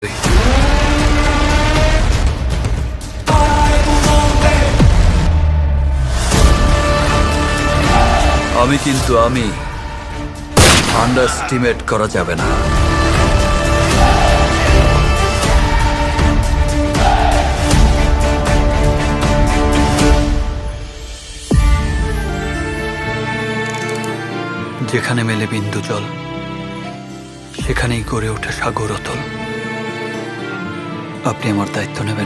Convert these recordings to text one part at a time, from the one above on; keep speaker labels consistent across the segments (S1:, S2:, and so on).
S1: আমি আন্ডারস্টিমেট করা যাবে না। যেখানে মেলে বিন্দু জল, সেখানেই গড়ে ওঠে সাগর অতল। আপনি আমার দায়িত্ব নেবেন?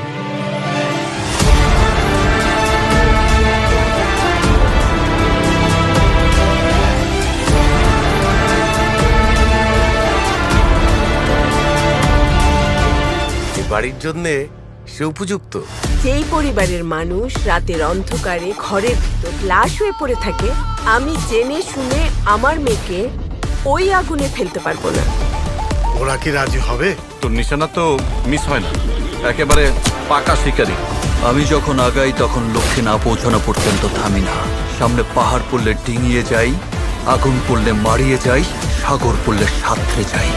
S2: বাড়ির জন্যে সে উপযুক্ত।
S3: যেই পরিবারের মানুষ রাতের অন্ধকারে ঘরের ভিতর লাশ হয়ে পড়ে থাকে, আমি জেনে শুনে আমার মেয়েকে ওই আগুনে ফেলতে পারবো না।
S2: ওরা কি রাজি হবে?
S4: তোর নিশানা তো মিস হয় না, একেবারে পাকা শিকারি।
S1: আমি যখন আগাই তখন লক্ষ্যে না পৌঁছানো পর্যন্ত থামি না। সামনে পাহাড় পড়লে ডিঙিয়ে যাই, আগুন পড়লে মারিয়ে যাই, সাগর পড়লে সাঁতরে যাই।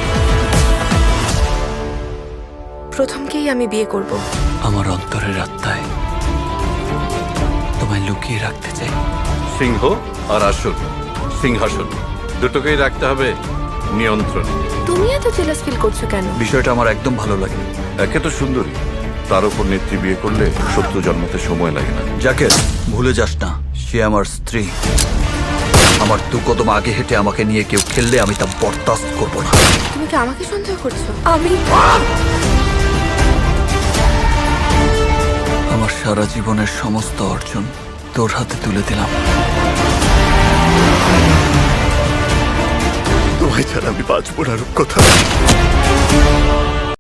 S5: প্রথমকেই আমি বিয়ে করব।
S1: আমার অন্তরের আত্মায় তোমায় লুকিয়ে রাখতে চাই।
S4: সিংহ আর আসন, সিংহাসন দুটোকেই রাখতে হবে নিয়ন্ত্রণ।
S5: তুমি এত জেলাস ফিল করছো কেন?
S1: বিষয়টা আমার একদম ভালো লাগে।
S4: একে তো সুন্দরী, তার উপর নেত্রী বিয়ে করলে শত্রু জন্মাতে সময় লাগে না।
S1: যাকে ভুলে যাস না, সে আমার স্ত্রী। আমার দু কদম আগে হেঁটে আমাকে নিয়ে কেউ খেললে আমি তা বরদাস্ত করবো না।
S5: তুমি কি আমাকে সন্দেহ করছো? আমি
S1: আমার সারা জীবনের সমস্ত অর্জন তোর হাতে তুলে দিলাম।
S2: তোমায় ছাড়া আমি বাঁচবো না রূপকথা।